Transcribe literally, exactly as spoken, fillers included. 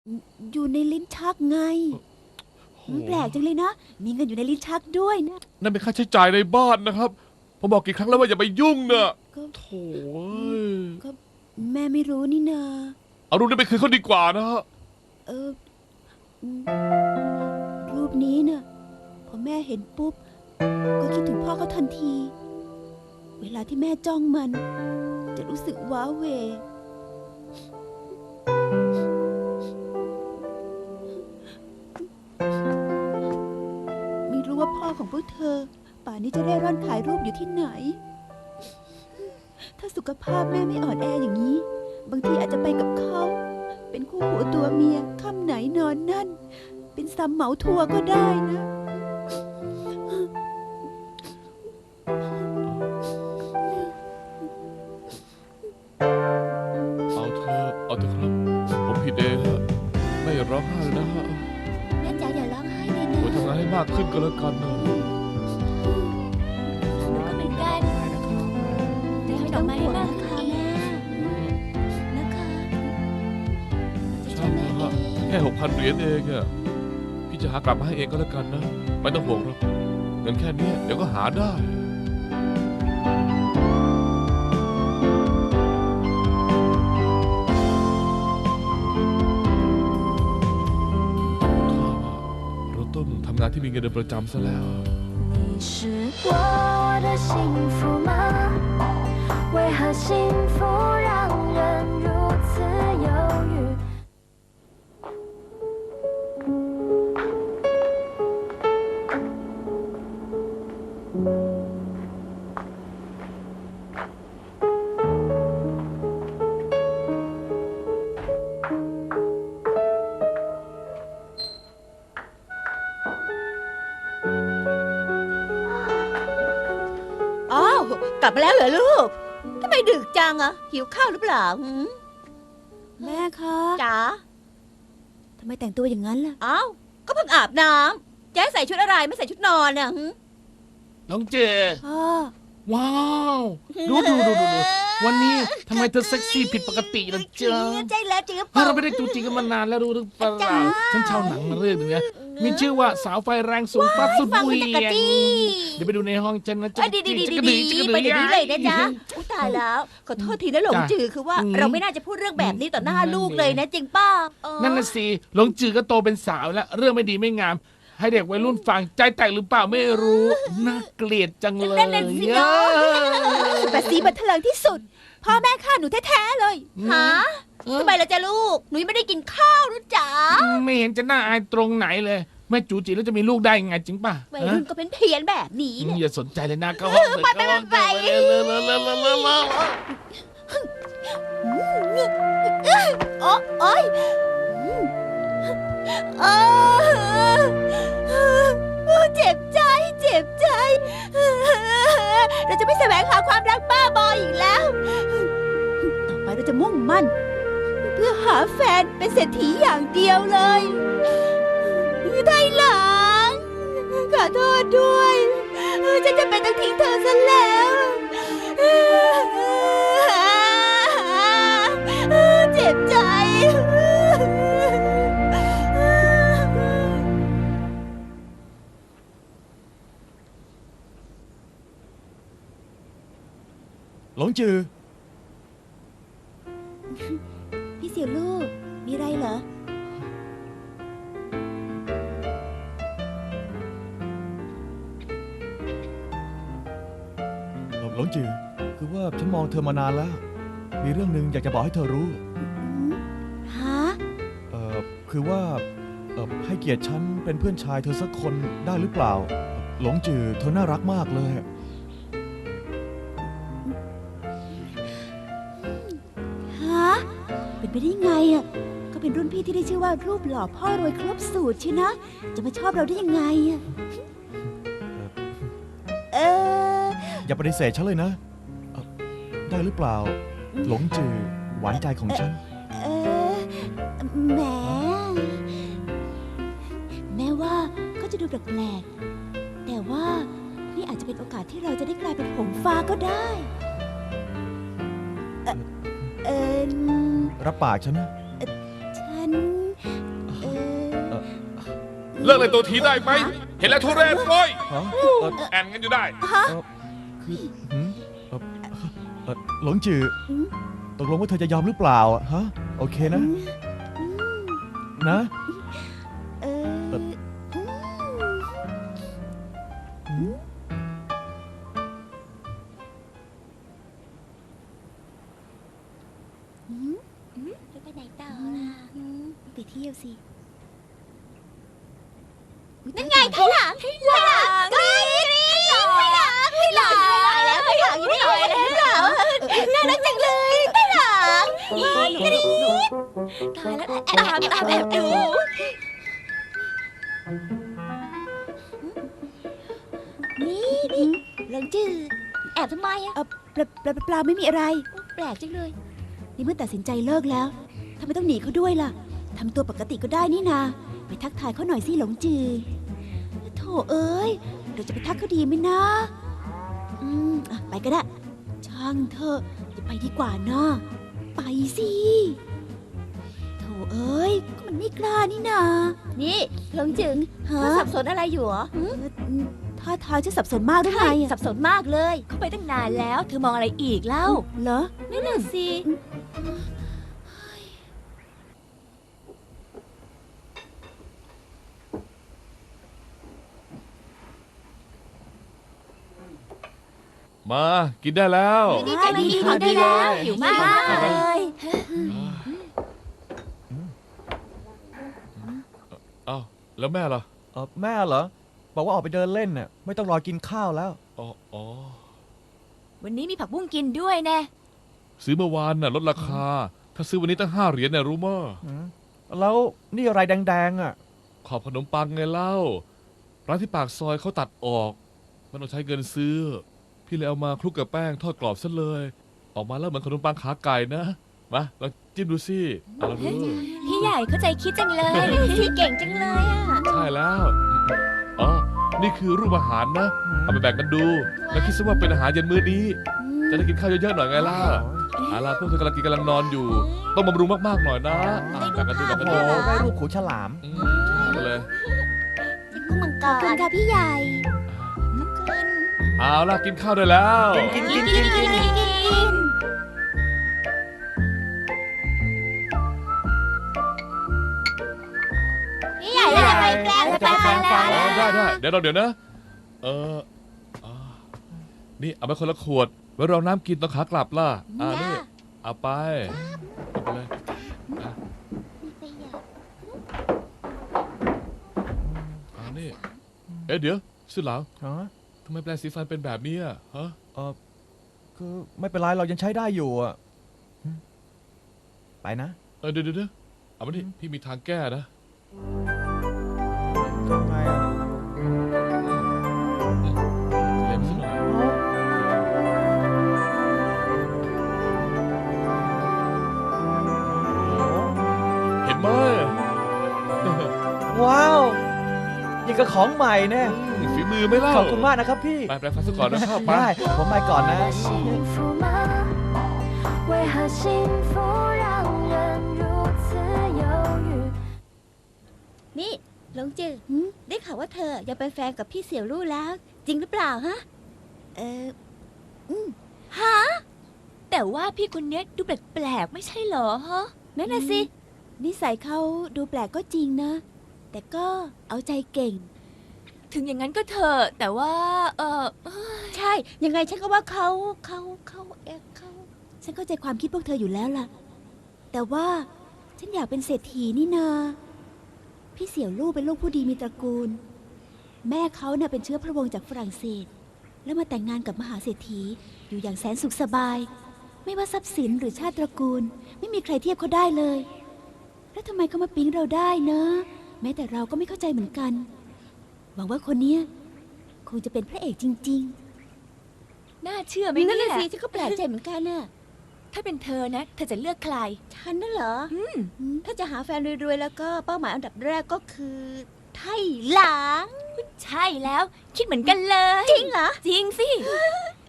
อยู่ในลิ้นชักไง มันแปลกจังเลยนะ มีเงินอยู่ในลิ้นชักด้วยนะนั่นเป็นค่าใช้จ่ายในบ้านนะครับผมบอกกี่ครั้งแล้วว่าอย่าไปยุ่งเนอะก็โถ่เอ้ยก็แม่ไม่รู้นี่นาเอารูปนี้ไปคืนเขาดีกว่านะฮะเอออืมรูปนี้น่ะพอแม่เห็นปุ๊บ ก็คิดถึงพ่อเขาทันที เวลาที่แม่จ้องมัน จะรู้สึกว้าเหวไม่รู้ว่าพ่อของพวกเธอ ป่านนี้จะเร่ร่อนขายรูปอยู่ที่ไหน ถ้าสุขภาพแม่ไม่อ่อนแออย่างนี้ บางทีอาจจะไปกับเขา เป็นคู่หัวตัวเมียค่ำไหนนอนนั่น เป็นซัมเหมาทัวร์ก็ได้นะเอาเธอเอาเถอะครับผมผิดเองฮะไม่ร้องไห้นะฮะแม่จ๋าอย่าร้องไห้เลยนะไว้ทำงานให้มากขึ้นก็แล้วกันนะหนูก็เหมือนกันจะให้ดอกไม้ให้มากค่ะแม่นะคะใช่ฮะแค่หกพันเหรียญเองอะพี่จะหากลับมาให้เองก็แล้วกันนะไม่ต้องห่วงหรอกเงินแค่นี้เดี๋ยวก็หาได้เราต้องทำงานที่มีเงินเดือนประจำซะแล้ว你是我的幸福吗？为何幸福让人如此犹豫？ อ้าวกลับมาแล้วเหรอลูกทำไมดึกจังอะหิวข้าวหรือเปล่าหืมแม่คะจ๋าทำไมแต่งตัวอย่างนั้นล่ะอ้าวก็เพิ่งอาบน้ำจะให้ใส่ชุดอะไรไม่ใส่ชุดนอนอะหืมน้องเจพ่อว้าว ดูดูดูดูดูวันนี้ทำไมเธอเซ็กซี่ผิดปกติล่ะจ๊ะใจแล้วจริงหรือเปเฮ้ยล่าเราไม่ได้จูจีกันมานานแล้วรู้หรือเปล่าจ๊ะฉันเช่าหนังมาเรื่องหนึงนะมีชื่อว่าสาวไฟแรงสูงฟัดสุดฟังเหมันวีจะยกระงจี้เดี๋ยวไปดูในห้องฉันนะอ่ะดีดีดีดีดีไปเดี๋ยวนี้เลยนะจ๊ะอุยตายแล้วขอโทษทีนะหลงจือคือว่าเราไม่น่าจะพูดเรื่องแบบนี้ต่อหน้าลูกเลยนะจริงป้าเออนั่นน่ะสิหลงจือก็โตเป็นสาวแล้ว เรื่องไม่ดีไม่งาม ให้เด็กวัยรุ่นฟังใจแตกหรือเปล่าไม่รู้น่าเกลียดจังเลยนั่นน่ะสิเนาะแต่สีบันเทิงที่สุด พ่อแม่ฆ่าหนูแท้ๆเลยฮะเออทำไมล่ะจ๊ะลูกหนูยังไม่ได้กินข้าวนะจ๊ะไม่เห็นจะน่าอายตรงไหนเลยแม่จูจีแล้วจะมีลูกได้ยังไงจริงป่ะวัยรุ่นก็เป็นเพี้ยนแบบนี้อืมเนี่ยอย่าสนใจเลยนะเข้าห้องเถอะไปไปไปเข้าห้องเถอะเร็วเร็วเร็วเร็วเร็วเร็วโอ้โอ้ยเออเจ็บใจ เจ็บใจ เราจะไม่แสวงหาความรักบ้าบออีกแล้วต่อไปเราจะมุ่งมั่น เพื่อหาแฟนเป็นเศรษฐีอย่างเดียวเลยไทยหลัง ขอโทษด้วย ฉันจะเป็นต้องทิ้งเธอซะแล้วเจ็บใจหลงจือพี่เสี่ยวลูก มีอะไรเหรอหลงจือ คือว่าฉันมองเธอมานานแล้ว มีเรื่องหนึ่งอยากจะบอกให้เธอรู้ฮะเอ่อ คือว่า เอ่อ ให้เกียรติฉันเป็นเพื่อนชายเธอสักคนได้หรือเปล่า หลงจือเธอน่ารักมากเลยฮะ เป็นไปได้ไงอ่ะ ก็เป็นรุ่นพี่ที่ได้ชื่อว่ารูปหล่อพ่อรวยครบสูตรชินะ จะมาชอบเราได้ยังไงอ่ะ เอออย่าปฏิเสธฉันเลยนะเอ่อได้หรือเปล่า หลงจือหวานใจของฉันเออแหม แม้ว่าก็จะดูแปลกๆ แต่ว่านี่อาจจะเป็นโอกาสที่เราจะได้กลายเป็นหงส์ฟ้าก็ได้ เออเออรับปากฉันนะฉันเลิกเลยตัวทีได้ไหม เห็นแล้วทุเรศเลยฮะเออแอนกันอยู่ได้คือหืมเออเออหลงจือตกลงว่าเธอจะยอมหรือเปล่าอะฮะ โอเคนะ นะเออหืมจะไปไหนต่อล่ะไปเที่ยวสินั่นไงข้างหลังข้างหลังกรี๊ดกรี๊ดข้างหลังข้างหลังแล้วข้างหลังอยู่ที่ไหนแล้วข้างหลังน่ารักจังเลยข้างหลังกรี๊ดกรี๊ดตายแล้วตามตามแอบดูนี่นี่หลงจือแอบทำไมอะเออเปล่าเปล่าเปล่าไม่มีอะไรแปลกจังเลยนี่เมื่อตัดสินใจเลิกแล้วทำไมต้องหนีเขาด้วยล่ะทำตัวปกติก็ได้นี่นา ไปทักทายเขาหน่อยสิหลงจือโถเอ้ยเราจะไปทักเขาดีไหมนะอืมอ่ะไปก็ได้ ช่างเถอะจะไปดีกว่านะไปสิโถเอ้ยก็มันไม่กล้านี่นานี่หลงจือฮะเธอสับสนอะไรอยู่เหรอเออท่าทางจะสับสนมากหรือไงใช่อะสับสนมากเลย เขาไปตั้งนานแล้ว เธอมองอะไรอีกเล่าเหรอนั่นน่ะสิมากินได้แล้วดีใจดีดีได้แล้วหิวมากเลยเอ้าแล้วแม่ล่ะเออแม่เหรอ บอกว่าออกไปเดินเล่นน่ะไม่ต้องรอกินข้าวแล้วอ๋ออ๋อวันนี้มีผักบุ้งกินด้วยแน่ซื้อเมื่อวานน่ะลดราคา ถ้าซื้อวันนี้ตั้งห้าเหรียญเนี่ยรู้มั้ยหืมแล้วนี่อะไรแดงๆอ่ะขอบขนมปังไงเล่า ร้านที่ปากซอยเขาตัดออก มันต้องใช้เงินซื้อ พี่เลยเอามาคลุกกับแป้งทอดกรอบซะเลย ออกมาแล้วเหมือนขนมปังขาไก่นะ มาลองจิ้มดูสิเอาละดูพี่ใหญ่เข้าใจคิดจังเลยพี่เก่งจังเลยอ่ะใช่แล้ว อ๋อ นี่คือรูปอาหารนะ เอาไปแบ่งกันดู แล้วคิดซะว่าเป็นอาหารเย็นมื้อนี้ จะได้กินข้าวเยอะๆหน่อยไงล่ะเอาล่ะพวกเธอกำลังกินกำลังนอนอยู่ ต้องบำรุงมากๆหน่อยนะอ่ะแบ่งกันดูแบ่งกันโอ้ดูโหได้รูปขูฉลามอืมเอาเลยกุ้งมังกขอบคุณรค่ะพี่ใหญ่เอาล่ะกินข้าวได้แล้วกินกินกินกินกินกินพี่ใหญ่แล้วไปแปลงจะไปแปลงฟันอ๋อได้ได้เดี๋ยวเราเดี๋ยวนะ เอออ่านี่เอาไปคนละขวด ไว้รองน้ำกินตอนขากลับล่ะ อ่านี่ เอาไปเอาไปเลยอ่ะอ่านี่ เอ๊ะเดี๋ยวสุดหลังฮะทำไมแปรงสีฟันเป็นแบบนี้อ่ะฮะเออคือไม่เป็นไรเรายังใช้ได้อยู่อ่ะหืมไปนะเออเดี๋ยวเดี๋ยวเดี๋ยวเอามาดิพี่มีทางแก้นะทำไงอ่ะเล็มซะหน่อยเห็นไหมว้าวยังกับของใหม่แน่ฝีมือไหม่เล่าขอบคุณมากนะครับพี่ไปแปรงฟันซะก่อนนะครับไปได้ผมไปก่อนนะ幸福吗？为何幸福让人如此犹豫？ นี่หลงจือหืมได้ข่าวว่าเธอยังเป็นแฟนกับพี่เสี่ยวลู่แล้ว จริงหรือเปล่าฮะเออฮะแต่ว่าพี่คนเนี้ยดูแปลกๆไม่ใช่เหรอฮะนั่นน่ะสินิสัยเขาดูแปลกก็จริงนะ แต่ก็เอาใจเก่งถึงอย่างนั้นก็เถอะแต่ว่า เออเอ้ยใช่ ยังไงฉันก็ว่าเขาเขาเขาเอะเขาฉันเข้าใจความคิดพวกเธออยู่แล้วล่ะ แต่ว่าฉันอยากเป็นเศรษฐีนี่นา พี่เสี่ยวลู่เป็นลูกผู้ดีมีตระกูล แม่เขาเน่ะเป็นเชื้อพระวงศ์จากฝรั่งเศส แล้วมาแต่งงานกับมหาเศรษฐีอยู่อย่างแสนสุขสบาย ไม่ว่าทรัพย์สินหรือชาติตระกูล ไม่มีใครเทียบเขาได้เลย แล้วทำไมเขามาปิ๊งเราได้นะ แม้แต่เราก็ไม่เข้าใจเหมือนกัน หวังว่าคนเนี้ยคงจะเป็นพระเอกจริงน่าเชื่อไหมๆนั่นเนี่น่ะยสิฉันก็แปลกใจเหมือนกันน่ะถ้าเป็นเธอนะ เธอจะเลือกใครฉันน่ะเหรออืมถ้าจะหาแฟนรวยๆแล้วก็เป้าหมายอันดับแรกก็คือไทหลังใช่แล้ว คิดเหมือนกันเลยจริงเหรอจริงสิ